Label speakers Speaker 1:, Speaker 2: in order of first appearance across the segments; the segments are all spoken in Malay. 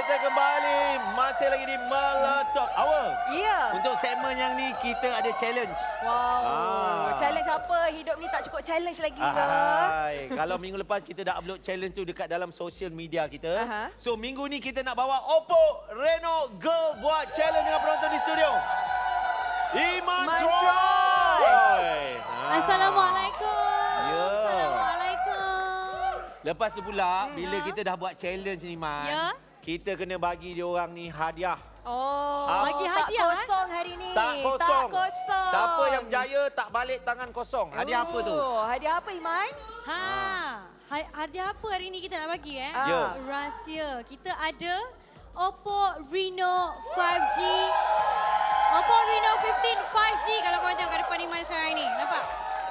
Speaker 1: kita kembali masih lagi di Meletup Hour.
Speaker 2: Ya.
Speaker 1: Untuk segmen yang ni kita ada challenge.
Speaker 2: Wow. Challenge apa? Hidup ni tak cukup challenge lagi ke?
Speaker 1: Kalau minggu lepas kita dah upload challenge tu dekat dalam social media kita.
Speaker 2: Aha.
Speaker 1: So minggu ni kita nak bawa Oppo Reno Girl buat challenge dengan penonton di studio. Iman Troy.
Speaker 3: Assalamualaikum.
Speaker 1: Ya.
Speaker 3: Assalamualaikum.
Speaker 1: Lepas tu pula bila kita dah buat challenge ni Man,
Speaker 3: Ya.
Speaker 1: kita kena bagi dia orang ni hadiah.
Speaker 2: Oh,
Speaker 3: Bagi hadiah,
Speaker 2: tak kosong hari ni.
Speaker 1: Tak kosong.
Speaker 2: Tak kosong.
Speaker 1: Siapa yang berjaya tak balik tangan kosong. Hadiah apa tu?
Speaker 2: Hadiah apa, Iman?
Speaker 3: Hadiah apa hari ni kita nak bagi
Speaker 1: Ya.
Speaker 3: Rahsia. Kita ada Oppo Reno 5G. Oppo Reno 15 5G kalau korang tengok kat depan Iman sekarang ni. Nampak?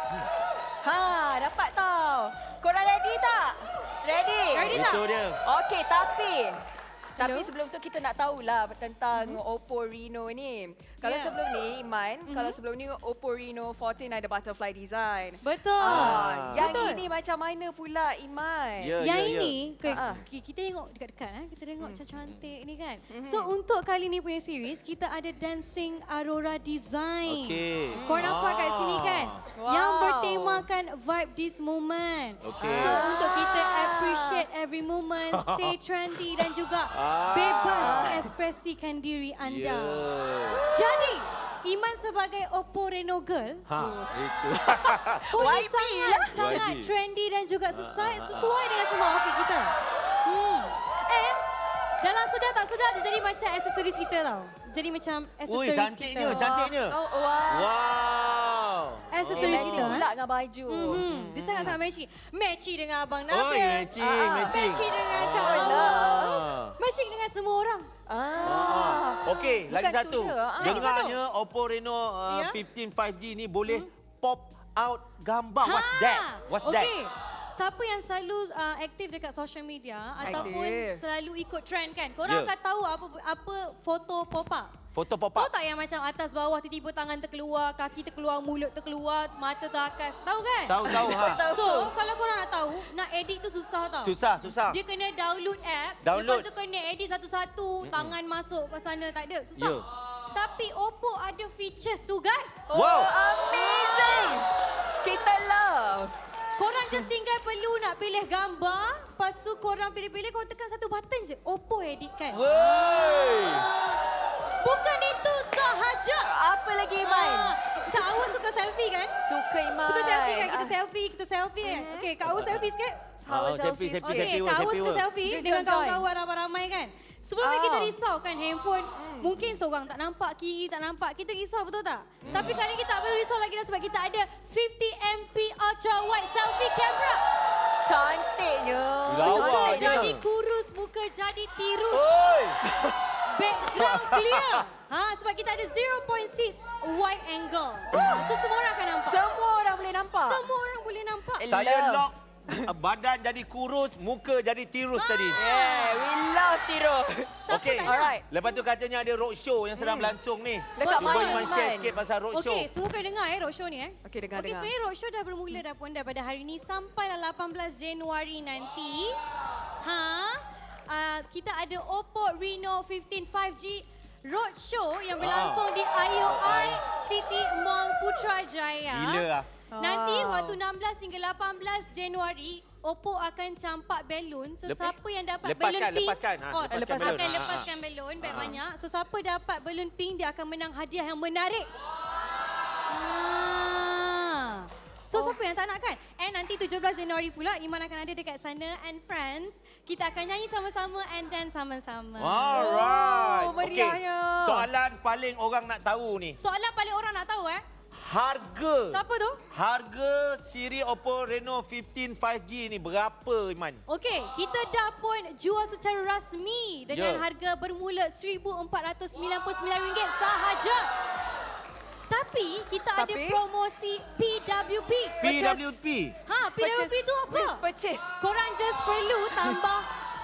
Speaker 2: Dapat tau. Korang ready tak? Ready?
Speaker 3: Ready tak?
Speaker 1: Itu dia.
Speaker 2: Okey, tapi sebelum tu kita nak tahulah tentang Oppo Reno ni. Kalau
Speaker 3: Ya.
Speaker 2: sebelum ni, Iman, kalau sebelum ni Oppo Reno 14 ada butterfly design.
Speaker 3: Betul.
Speaker 2: Yang
Speaker 3: Betul.
Speaker 2: ini macam mana pula, Iman?
Speaker 1: Ya,
Speaker 3: Yang
Speaker 1: ya, ya.
Speaker 3: ini,
Speaker 2: Ha-ha.
Speaker 3: kita tengok dekat-dekat. Kita tengok macam cantik ni kan. So, untuk kali ni punya series, kita ada Dancing Aurora Design.
Speaker 1: Okey.
Speaker 3: Korang nampak kat sini kan?
Speaker 2: Wow.
Speaker 3: Yang bertemakan vibe this moment.
Speaker 1: Okey.
Speaker 3: So, untuk kita appreciate every moment, stay trendy dan juga bebas ekspresikan diri anda. Jadi, Iman sebagai Oppo Reno Girl,
Speaker 1: Itu.
Speaker 3: pun
Speaker 2: YB
Speaker 3: sangat
Speaker 1: YB.
Speaker 3: trendy dan juga sesuai dengan semua outfit kita. And dalam sedar tak sedar dia jadi macam aksesoris kita tau. Jadi macam
Speaker 1: Ui,
Speaker 3: aksesoris
Speaker 1: cantiknya,
Speaker 3: kita.
Speaker 1: cantiknya.
Speaker 2: Oh, wow.
Speaker 1: Wow.
Speaker 3: Aksesoris
Speaker 2: Matching
Speaker 3: kita.
Speaker 2: pula dengan baju.
Speaker 3: Dia sangat-sangat matchy. Matchy dengan Abang
Speaker 1: Oh,
Speaker 3: Nabil.
Speaker 1: matching, matching.
Speaker 3: Matchy dengan Kak
Speaker 2: Oh,
Speaker 3: Awal. Matching dengan semua orang.
Speaker 1: Okey, lagi
Speaker 2: Bukan tu
Speaker 1: satu.
Speaker 2: je.
Speaker 3: Lagi satu.
Speaker 1: Dengarnya Oppo Reno
Speaker 3: Ya.
Speaker 1: 15 5G ni boleh pop out gambar. What's that? What's that?
Speaker 3: Okey. Siapa yang selalu aktif dekat social media ataupun selalu ikut trend kan? Korang
Speaker 1: Ya.
Speaker 3: akan tahu apa foto pop up.
Speaker 1: Foto pop
Speaker 3: Tahu
Speaker 1: up.
Speaker 3: tak yang macam atas bawah tiba-tiba tangan terkeluar, kaki terkeluar, mulut terkeluar, mata terakas. Tahu kan?
Speaker 1: Tahu ha.
Speaker 3: So, kalau korang nak tahu, nak edit tu susah tau.
Speaker 1: Susah.
Speaker 3: Dia kena download apps,
Speaker 1: Download.
Speaker 3: lepas tu kena edit satu-satu, tangan masuk ke sana, tak ada. Susah.
Speaker 1: Ya.
Speaker 3: Tapi Oppo ada features tu guys.
Speaker 1: Wow.
Speaker 2: Amazing. Kita love.
Speaker 3: Korang just tinggal perlu nak pilih gambar, lepas tu korang pilih-pilih, korang tekan satu button je. Oppo edit kan.
Speaker 1: Wey.
Speaker 3: Bukan itu sahaja.
Speaker 2: Apa lagi, Iman?
Speaker 3: Kak Awa suka selfie kan?
Speaker 2: Suka, Iman.
Speaker 3: Suka selfie kan? Kita selfie kan? Okey, Kak Awa selfie sikit.
Speaker 1: Selfie.
Speaker 3: Okey, Kak Awa suka selfie
Speaker 2: Jom,
Speaker 3: dengan
Speaker 2: join.
Speaker 3: kawan-kawan ramai-ramai kan? Sebelum ni kita risau kan handphone, mungkin seorang tak nampak kiri, tak nampak. Kita risau betul tak? Tapi kali ni kita tak perlu risau lagi dah sebab kita ada 50MP ultra wide selfie camera.
Speaker 2: Cantiknya.
Speaker 3: Muka
Speaker 1: Lawaknya.
Speaker 3: jadi kurus, muka jadi tirus.
Speaker 1: Oi.
Speaker 3: Background clear. Sebab kita ada 0.6 wide angle. So semua orang akan nampak.
Speaker 2: Semua orang boleh nampak.
Speaker 3: Semua orang boleh nampak.
Speaker 1: Saya lock badan jadi kurus, muka jadi tirus tadi.
Speaker 2: Yeah, we love Tiro.
Speaker 3: Siapa
Speaker 1: Okey.
Speaker 3: tak nak?
Speaker 2: Alright.
Speaker 1: Lepas tu katanya ada roadshow yang sedang berlangsung ni.
Speaker 2: Dekat
Speaker 1: Cuba
Speaker 2: mana,
Speaker 1: Iman share
Speaker 2: Iman?
Speaker 1: sikit pasal roadshow.
Speaker 3: Okey, semua kena dengar roadshow ni
Speaker 2: Okey, dengar.
Speaker 3: Okey, sebenarnya roadshow dah bermula dah pun daripada hari ni sampai 18 Januari nanti. Kita ada Oppo Reno 15 5G roadshow yang berlangsung di IOI City Mall Putrajaya.
Speaker 1: Gila lah.
Speaker 3: Nanti waktu 16 hingga 18 Januari, Oppo akan campak belon. So siapa yang dapat belon pink,
Speaker 1: lepaskan
Speaker 3: akan
Speaker 1: belon.
Speaker 3: lepaskan belon banyak. So siapa dapat belon pink dia akan menang hadiah yang menarik. So siapa yang tak nak kan? And nanti 17 Januari pula Iman akan ada dekat sana and friends. Kita akan nyanyi sama-sama and dance sama-sama.
Speaker 1: Alright.
Speaker 2: Oh, meriahnya.
Speaker 1: Okey. Soalan paling orang nak tahu ni.
Speaker 3: Soalan paling orang nak tahu
Speaker 1: Harga.
Speaker 3: Siapa tu?
Speaker 1: Harga siri Oppo Reno 15 5G ni berapa, Iman?
Speaker 3: Okey, kita dah pun jual secara rasmi dengan harga bermula RM1,499 sahaja. Tapi kita ada promosi PWP.
Speaker 1: PWP.
Speaker 3: PWP tu apa?
Speaker 2: Purchase.
Speaker 3: Korang just perlu tambah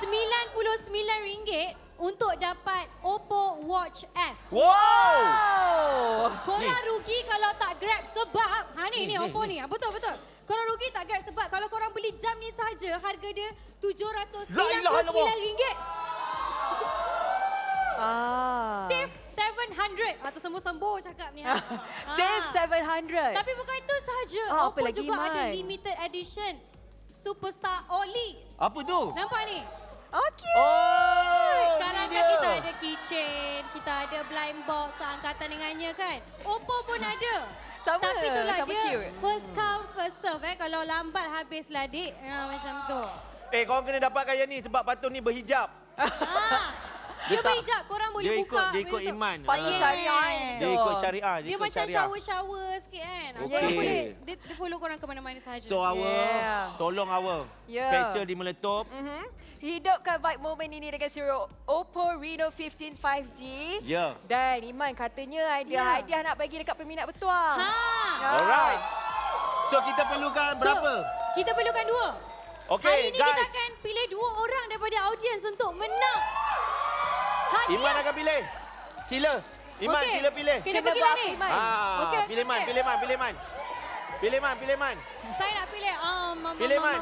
Speaker 3: RM99 untuk dapat Oppo Watch S.
Speaker 1: Wow!
Speaker 3: Korang rugi kalau tak grab sebab ni Oppo ni. Betul. Korang rugi tak grab sebab kalau korang beli jam ni saja harga dia RM799. Save 700. Atau sembuh-sembuh cakap ni.
Speaker 2: Save 700.
Speaker 3: Tapi bukan itu sahaja.
Speaker 2: Apa
Speaker 3: Oppo
Speaker 2: lagi,
Speaker 3: juga
Speaker 2: Iman?
Speaker 3: ada limited edition Superstar Oli.
Speaker 1: Apa tu?
Speaker 3: Nampak ni?
Speaker 2: Okey.
Speaker 1: Oh,
Speaker 3: Sekarang
Speaker 1: ni
Speaker 3: kan
Speaker 1: dia.
Speaker 3: kita ada keychain, kita ada blind box seangkatan dengannya kan. Oppo pun ada.
Speaker 2: Sama,
Speaker 3: Tapi itulah
Speaker 2: sama
Speaker 3: dia
Speaker 2: cute.
Speaker 3: first come first serve Kalau lambat habislah dik. Macam tu.
Speaker 1: Korang kena dapatkan yang ni sebab patut ni berhijab.
Speaker 3: Dia berhijab, korang boleh
Speaker 1: Dia
Speaker 3: buka.
Speaker 1: ikut
Speaker 3: macam tu.
Speaker 1: iman.
Speaker 2: Patut syariah
Speaker 1: Dia
Speaker 2: tu.
Speaker 1: ikut syariah.
Speaker 3: Dia
Speaker 1: ikut
Speaker 3: macam
Speaker 1: syariah.
Speaker 3: shower-shower sikit kan.
Speaker 1: Okey.
Speaker 3: Korang boleh, dia follow korang ke mana-mana sahaja.
Speaker 1: So Awa,
Speaker 2: Yeah.
Speaker 1: tolong Awa.
Speaker 2: Yeah.
Speaker 1: Special di Meletup.
Speaker 2: Hidupkan vibe moment ini dengan serial Oppo Reno 15 5G.
Speaker 1: Ya.
Speaker 2: Dan Iman katanya ada
Speaker 3: Ya.
Speaker 2: hadiah nak bagi dekat peminat bertuang.
Speaker 3: Ha.
Speaker 1: Alright. So kita perlukan berapa?
Speaker 3: Kita perlukan 2.
Speaker 1: Okey,
Speaker 3: Hari ini kita
Speaker 1: guys.
Speaker 3: akan pilih 2 orang daripada audiens untuk menang. Hadiah.
Speaker 1: Iman akan pilih. Sila. Iman,
Speaker 3: Okey.
Speaker 1: sila pilih.
Speaker 3: Kena
Speaker 2: Kena
Speaker 3: pergilah
Speaker 2: buat
Speaker 3: ni.
Speaker 2: Iman.
Speaker 3: Okey,
Speaker 1: Pilih Man,
Speaker 3: okey.
Speaker 1: pilih Man, pilih Man. Pilih Man, pilih Man.
Speaker 3: Saya nak pilih.
Speaker 1: Pilih, Man.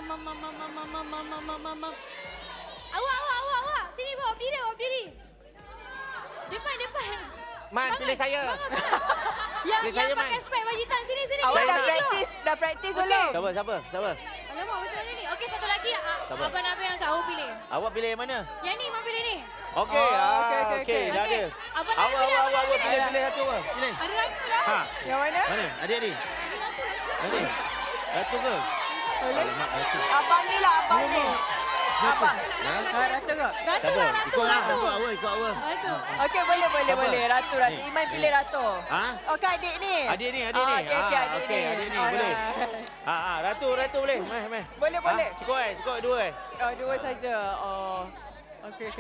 Speaker 3: Awak. Sini bawa berdiri. Depan.
Speaker 1: Man, pilih saya.
Speaker 3: Yang
Speaker 1: Pilih saya,
Speaker 3: pakai
Speaker 1: Man.
Speaker 3: spek baju hitam. Sini.
Speaker 2: Awak
Speaker 1: Saya
Speaker 2: dah
Speaker 1: nak-
Speaker 2: praktis
Speaker 3: Okey.
Speaker 2: dulu.
Speaker 1: Siapa?
Speaker 3: Alamak, macam mana ni? Okey, satu lagi.
Speaker 1: Sabar.
Speaker 3: Abang Nabil yang kat awak pilih.
Speaker 1: Awak pilih yang mana?
Speaker 3: Yang ni, Mak pilih ni.
Speaker 1: Okey,
Speaker 2: okey.
Speaker 1: dah
Speaker 3: Okey.
Speaker 1: ada.
Speaker 3: Abang Nabil pilih, abang Nabil pilih.
Speaker 1: Pilih satu apa? Pilih.
Speaker 3: Ada ratu lah.
Speaker 1: Ha,
Speaker 2: Yang mana?
Speaker 1: mana? Adik ni. Adik. Satu ke? Alamak, satu.
Speaker 2: Abang ni lah, abang ni. Abang.
Speaker 1: Ha?
Speaker 2: Ratu ke?
Speaker 3: Ratu lah, ratu.
Speaker 1: Ikut Awa.
Speaker 3: Ratu.
Speaker 2: Okey, boleh. Ratu.
Speaker 1: Ni.
Speaker 2: Iman pilih Ratu.
Speaker 1: Ha?
Speaker 2: Okey, adik ni.
Speaker 1: Adik ni.
Speaker 2: Okey, adik
Speaker 1: Okey,
Speaker 2: ni.
Speaker 1: adik ni boleh. Ratu boleh. Meh.
Speaker 2: Boleh.
Speaker 1: Cukup dua.
Speaker 2: Oh, 2 saja. Oh. Okey.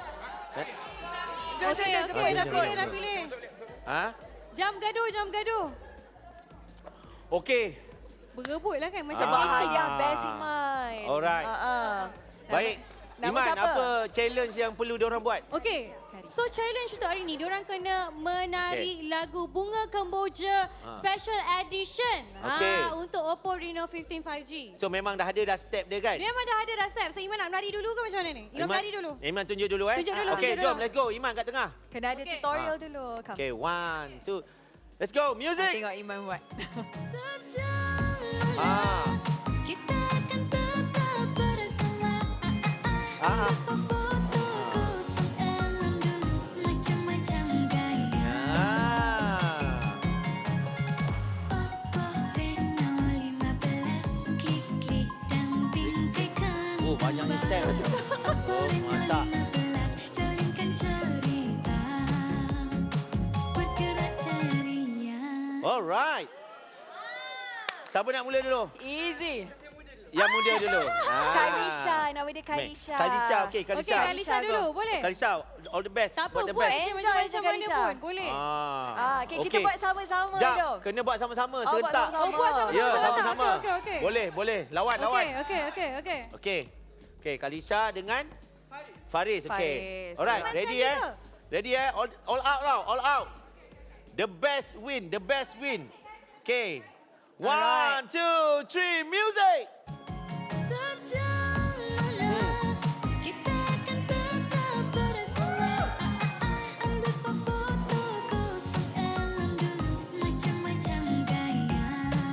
Speaker 3: Okey, dah pilih.
Speaker 1: Ha?
Speaker 3: Jam gaduh.
Speaker 1: Okey.
Speaker 3: Berebut lah kan macam
Speaker 2: Sebab
Speaker 1: Ah.
Speaker 2: hadiah best Iman.
Speaker 1: Alright.
Speaker 2: Nama
Speaker 1: Baik. Iman,
Speaker 2: siapa?
Speaker 1: apa challenge yang perlu diorang buat?
Speaker 3: Okey. So challenge untuk hari ni, diorang kena menari lagu Bunga Kemboja Special Edition
Speaker 1: Okey.
Speaker 3: untuk Oppo Reno 15 5G.
Speaker 1: So memang dah ada step dia kan?
Speaker 3: Dia memang dah ada step. So Iman nak menari dulu ke macam mana ni? Iman menari dulu.
Speaker 1: Iman tunjuk dulu
Speaker 3: Tunjuk dulu,
Speaker 1: Okey,
Speaker 3: tunjuk
Speaker 1: jom
Speaker 3: dulu.
Speaker 1: let's go. Iman kat tengah.
Speaker 2: Kena ada
Speaker 3: Okey.
Speaker 2: tutorial dulu. Come.
Speaker 1: Okey, 1, 2. Let's go. Music.
Speaker 2: Tengok Iman buat.
Speaker 1: Ah.
Speaker 4: Kita akan tetap bersama. Ambil foto kosong elon dulu, macam-macam gaya. Oppo Reno 15, klik dan bingkaikan
Speaker 1: Oh, banyaknya step.
Speaker 4: Oppo Reno
Speaker 1: mantap.
Speaker 4: 15, jalinkan cerita, bergerak ceria.
Speaker 1: Alright. Siapa nak mula dulu?
Speaker 2: Easy.
Speaker 1: Yang muda dulu.
Speaker 2: Kalisha, nama dia Kalisha.
Speaker 1: Kalisha, okey, Kalisha.
Speaker 3: Okey, Kalisha dulu. Boleh?
Speaker 1: Kalisha, all the best.
Speaker 3: Tak apa,
Speaker 1: the
Speaker 3: buat
Speaker 1: best.
Speaker 3: je
Speaker 2: Enjoy
Speaker 3: macam
Speaker 2: je,
Speaker 3: mana
Speaker 2: Kalisha.
Speaker 3: pun. Boleh.
Speaker 2: Okay, kita buat sama-sama
Speaker 1: Jap,
Speaker 2: jom.
Speaker 1: kena buat sama-sama,
Speaker 2: Oh, buat
Speaker 1: serentak.
Speaker 2: sama-sama.
Speaker 3: Oh, buat sama-sama.
Speaker 1: Ya,
Speaker 3: serentak.
Speaker 1: sama-sama.
Speaker 3: Okey.
Speaker 1: Boleh. Lawan.
Speaker 3: Okey.
Speaker 1: Okey, Kalisha dengan Faris. Okey.
Speaker 2: Faris.
Speaker 1: Alright,
Speaker 3: Lepas
Speaker 1: ready
Speaker 3: kita.
Speaker 1: Ready all out now, all out. The best win. Okey. 1,
Speaker 2: Alright.
Speaker 1: 2, 3, music.
Speaker 4: Sejalan, kita akan tetap bersama. Ambil foto kosong elon dulu, macam-macam gaya.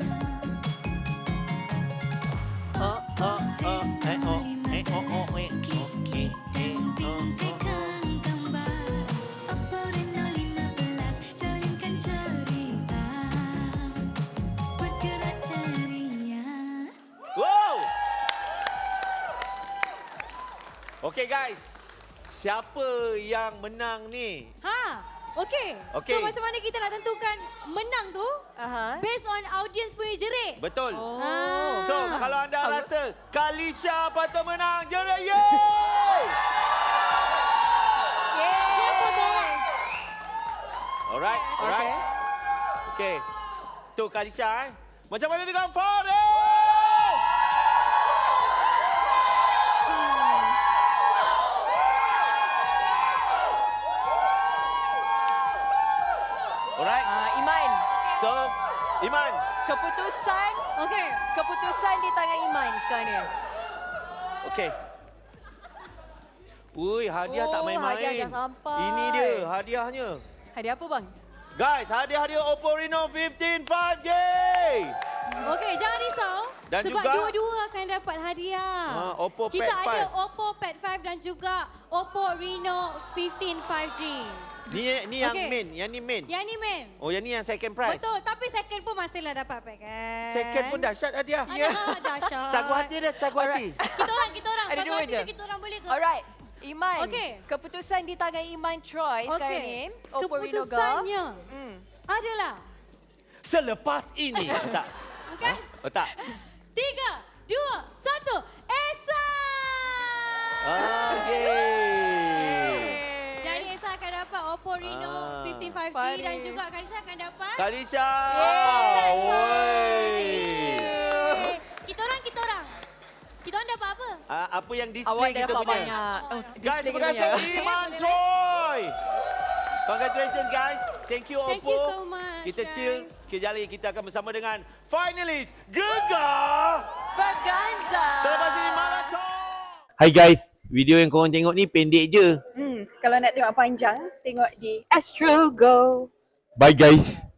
Speaker 4: Klik dan bingkaikan gambar. Oppo Reno 15, jalinkan cerita, bergerak ceria.
Speaker 1: Wow. Okey guys. Siapa yang menang ni?
Speaker 3: Okey.
Speaker 1: Okey.
Speaker 3: So macam mana kita nak tentukan menang tu?
Speaker 2: Aha.
Speaker 3: Based on audience punya jerit.
Speaker 1: Betul.
Speaker 3: Ah.
Speaker 1: So, kalau anda rasa Kalisha patut menang, jerit yeay!
Speaker 3: Siapa seorang?
Speaker 1: Alright. Okey. Tu Kalisha Macam mana dengan Faris? Alright.
Speaker 2: Iman,
Speaker 1: So, Iman.
Speaker 2: keputusan di tangan Iman sekarang ni.
Speaker 1: Okey. Ui, hadiah tak main-main.
Speaker 2: Hadiah dah sampai.
Speaker 1: Ini dia hadiahnya.
Speaker 2: Hadiah apa bang?
Speaker 1: Guys, hadiah Oppo Reno 15 5G.
Speaker 3: Okey, jangan risau.
Speaker 1: Dan
Speaker 3: sebab
Speaker 1: juga-
Speaker 3: dua-dua akan dapat hadiah.
Speaker 1: Oppo
Speaker 3: Kita
Speaker 1: Pad
Speaker 3: ada
Speaker 1: 5.
Speaker 3: Oppo Pad 5 dan juga Oppo Reno 15 5G.
Speaker 1: Ni yang
Speaker 3: Okey.
Speaker 1: main, yang ni main.
Speaker 3: Yang ni men.
Speaker 1: Oh, yang ni yang second prize.
Speaker 3: Betul, tapi second pun masihlah dapat pack kan.
Speaker 1: Second pun dahsyat hadiah.
Speaker 3: Alah, dahsyat.
Speaker 1: Sagu hati dia, sagu hati.
Speaker 3: Kita orang.
Speaker 2: Ada
Speaker 3: Satu
Speaker 2: dua
Speaker 3: hati
Speaker 2: je.
Speaker 3: tu kita orang boleh ke?
Speaker 2: Alright. Iman,
Speaker 3: Okey.
Speaker 2: keputusan di tangan Iman Troy sekarang ni. Oppo Reno Girl.
Speaker 3: Keputusannya adalah
Speaker 1: Selepas ini. Tak.
Speaker 3: bukan?
Speaker 1: Oh, tak.
Speaker 3: 3, 2, 1, Esa!
Speaker 1: Okay.
Speaker 3: Jadi Esa akan dapat Oppo Reno 15 5G
Speaker 2: Farid.
Speaker 3: dan juga Karisha akan dapat
Speaker 1: Kalisha.
Speaker 3: Kita orang. Kita orang dapat apa?
Speaker 1: Apa yang display
Speaker 2: Awak dah
Speaker 1: kita
Speaker 2: dapat
Speaker 1: punya.
Speaker 2: banyak. Oh,
Speaker 1: Guys,
Speaker 2: display
Speaker 1: terima
Speaker 2: kita
Speaker 1: kasih
Speaker 2: punya.
Speaker 1: Iman Troy. Congratulations guys. Thank you Oppo.
Speaker 3: Thank you so much,
Speaker 1: Kita
Speaker 3: guys.
Speaker 1: chill. Sekejap lagi kita akan bersama dengan finalis Gegar.
Speaker 2: Vaganza.
Speaker 1: Selepas ini Marathon.
Speaker 5: Hai guys, video yang korang tengok ni pendek je.
Speaker 6: Kalau nak tengok panjang, tengok di Astro Go.
Speaker 5: Bye guys.